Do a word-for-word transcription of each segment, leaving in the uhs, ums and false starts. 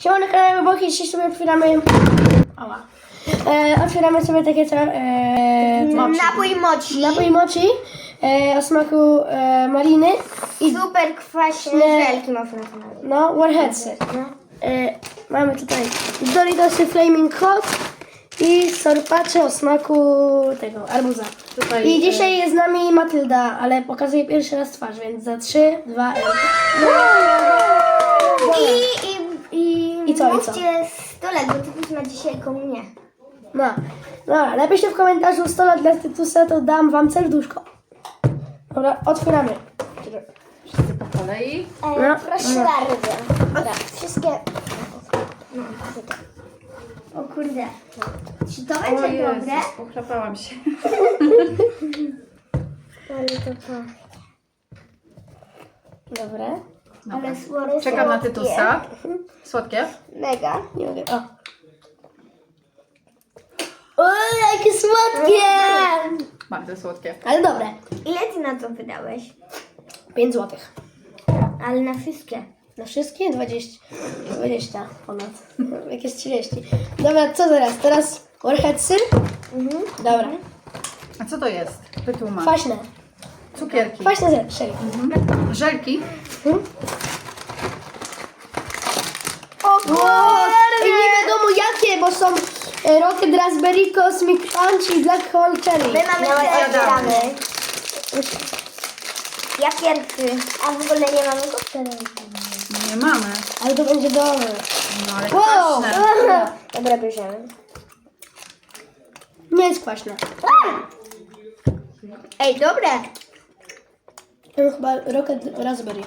Siema na kanale Boki, dzisiaj sobie otwieramy... Ała. E, otwieramy sobie takie co... E, Napój mochi. napój mochi e, o smaku e, maliny i Super kwaśne Nie. żelki można znaleźć. no, warheadsy. No. E, mamy tutaj Doritosy Flaming Hot i sorpacze o smaku tego, arbuza. Tutaj, I dzisiaj jest z nami Matylda, ale pokazuję pierwszy raz twarz, więc za trzy, dwa, jeden. I, i, i, I co, i mówcie co? sto lat, bo Tytus ma dzisiaj komunię. No, dobra, napiszcie w komentarzu sto lat dla Tytusa, to dam wam serduszko. Dobra, otwieramy. wszyscy po kolei. E, No. proszę No. bardzo. Dobra, wszystkie... No, tutaj. O kurde. Czy to O będzie dobre? Jezus, pochlapałam się. Ale to to. Dobra. Dobra. Ale słodkie. Czekam na Tytusa. Słodkie? Mega. Nie mogę. O. O, jakie słodkie! Bardzo słodkie. Ale dobre. Ile ty na to wydałeś? pięć złotych. Ale na wszystkie. Na wszystkie? dwadzieścia. dwadzieścia ponad. Jakieś trzydzieści. Dobra, co teraz? Teraz warheadsy? Mhm. Dobra. A co to jest? Wytłumacz. Kwaśne. Cukierki. Kwaśne zer- serio. Mhm. Żelki. Hmm? O kurde! Nie wiadomo jakie, bo są e, Rocket Raspberry, Cosmic Punch i Black Hole Cherry. My mamy No, te jadamy. gramy. Ja pierwszy. A w ogóle nie mamy koktajla. Nie mamy. Ale to będzie dobre. No ale Wow! kwaśne. Dobra, bierzemy. Nie jest kwaśne. Ej, dobre. To jest chyba Rocket Raspberry.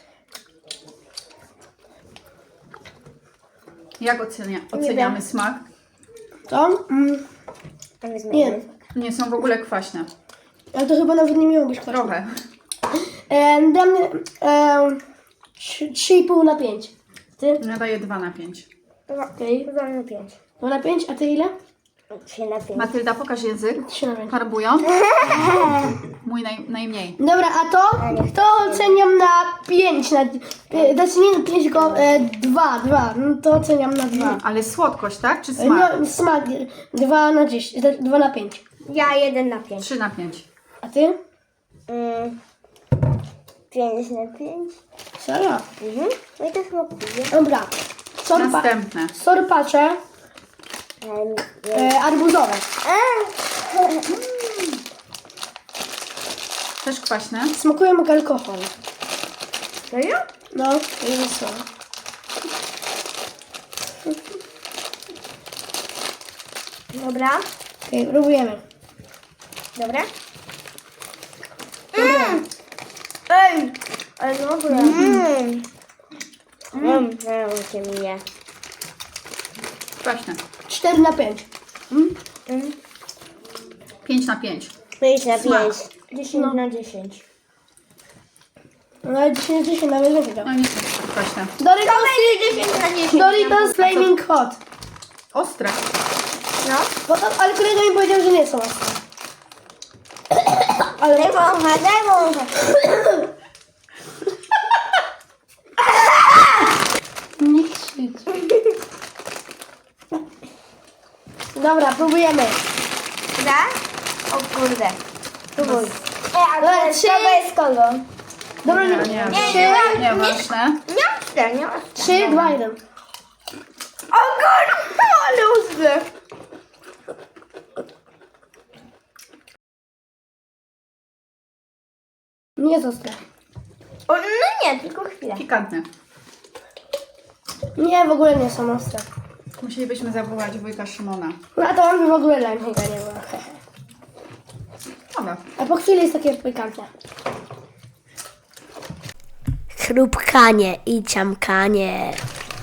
Jak ocenia, oceniamy smak? To? Mm, nie. Nie są w ogóle kwaśne. Ale to chyba nawet nie miało być kwaśne. Trochę. E, dam e, trzy i pół na pięć. Ty? Ja daję dwa na pięć. Okej. dwa na pięć. dwa na pięć, a ty ile? trzy na pięć. Matylda, pokaż język. trzy na pięć. Farbując. Mój naj, najmniej. Dobra, a to? To oceniam na pięć. Na, e, znaczy nie na pięć, tylko e, dwa, dwa. No to oceniam na dwa. Ale słodkość, tak? Czy smak? No, smak dwa na dziesięć, dwa na pięć. Ja jeden na pięć. trzy na pięć. A ty? Mm. pięć na pięć. Serio? Mhm. No i to smakuje. Dobra. Sorpa, Następne. sorpacze e, arbuzowe. Też kwaśne. Smakują jak alkohol. Serio? No, to jest słowo. Dobra. Okej, próbujemy. Dobra. Mm. Ej! Ale dobre. Mmm. Mmm. Mmm. mnie. Kwaśne. cztery na pięć. Mm. pięć na pięć. pięć na Smak. pięć. dziesięć No. na dziesięć. No ale dziesięć na dziesięć nawet więcej No dał. nie są kwaśne. Doritos, dziesięć na dziesięć. Doritos Flaming Hot. Ostre. No. Bo to, ale kolega mi powiedział, że nie są ostre. Ale Daj wącha, daj wącha. nie krzycz. Dobra, próbujemy. Da? O kurde. Próbuj. Ej, a Dobra, to trzy. jest kogo? Dobra, Nie, nie, nie, trzy, nie, nie ważne. Nie ostre, nie ostre. trzy, dwa, jeden. O kurde, ale ostre. Nie jest ostre. O, no nie, tylko chwilę. Pikantne. Nie, w ogóle nie są ostre. Musielibyśmy zawołać wujka Szymona. No a to on by w ogóle dla mnie nie było. Dobra. A po chwili jest takie pikantne. Chrupkanie i ciamkanie.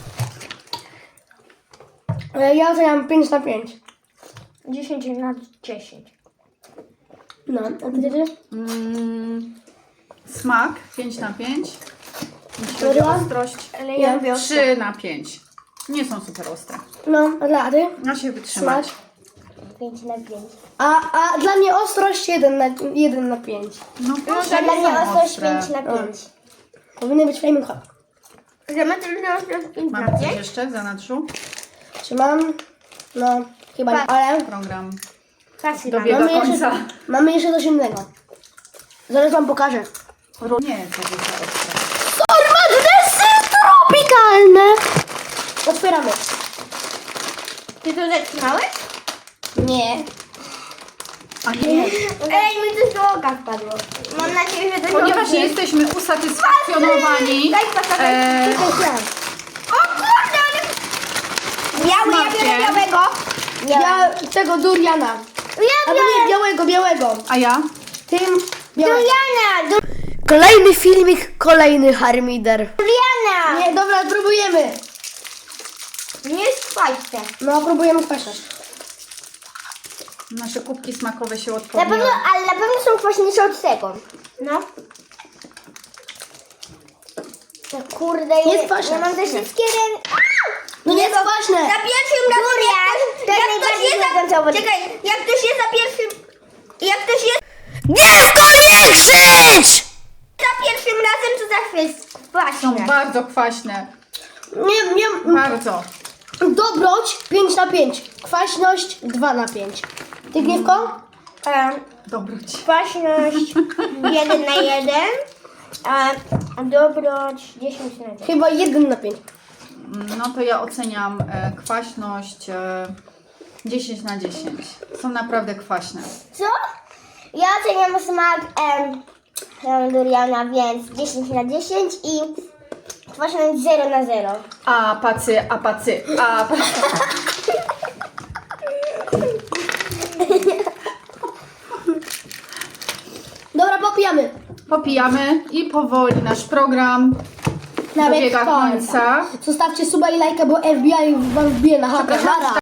E, Ja oceniam pięć na pięć. dziesięć na dziesięć. No, a ty jedziesz? Mm, smak pięć na pięć. Jeśli chodzi o Dobra. ostrość. Ale ja Nie. lubię ostre. trzy na pięć. Nie są super ostre. No, a dla ty? Da się wytrzymać. Smak? pięć na pięć. A, a dla mnie ostrość jeden na, jeden na pięć. No, No proszę, to dla nie mnie są ostrość ostre. pięć na pięć. Powinny być flaming hot. Że ma tylko pięć na Mam coś pięć. jeszcze w zanadrzu? Czy mam? No, chyba nie, Tak. ale Program Klasy dobiega Mamy jeszcze- końca. mamy jeszcze coś innego. Zaraz wam pokażę. Nie, to jest ostre. Magnesy tropikalne! Otwieramy. Ty to zatrzymałeś? Nie. A nie, Ej, mi coś do oka wpadło. Mam nadzieję, że to ponieważ dobrze. nie jesteśmy usatysfakcjonowani Daj pasażer. e, O kurde, ale... Biały, ja biorę Smakiem. białego. Ja tego duriana. Ja Albo nie, białego, białego. a ja? Tym białego. Duriana, du- Kolejny filmik, kolejny harmider. Duriana. Nie, dobra, próbujemy. Nie jest kwaśne. No, próbujemy kwaśność. Nasze kubki smakowe się Na odpowią. pewno, ale na pewno są kwaśniejsze od tego. No. To kurde, Jest ja- kwaśne. Ja mam te wszystkie ręce. No nie jest kwaśne. Za pierwszym razem. Durian, Jak, jak ktoś jest za... Czekaj, jak ktoś jest za pierwszym... Jak ktoś jest Dziecko, nie krzycz! za pierwszym razem, to zawsze jest Są kwaśne. bardzo kwaśne. Nie, nie. Bardzo. Dobroć pięć na pięć. Kwaśność dwa na pięć. Ty, Gniewko? E, Dobroć. kwaśność jeden na jeden. A dobroć dziesięć na jeden. Chyba jeden na pięć. No to ja oceniam e, kwaśność e, dziesięć na dziesięć. Są naprawdę kwaśne. Co? Ja oceniam smak em, em, duriana, więc dziesięć na dziesięć i kwaśność zero na zero. A pacy, a pacy, a pacy. Dobra, popijamy. Popijamy i powoli nasz program Nawet dobiega końca. końca. Zostawcie suba i lajka, bo F B I wam wbije na chatę. Przepraszam, Nara.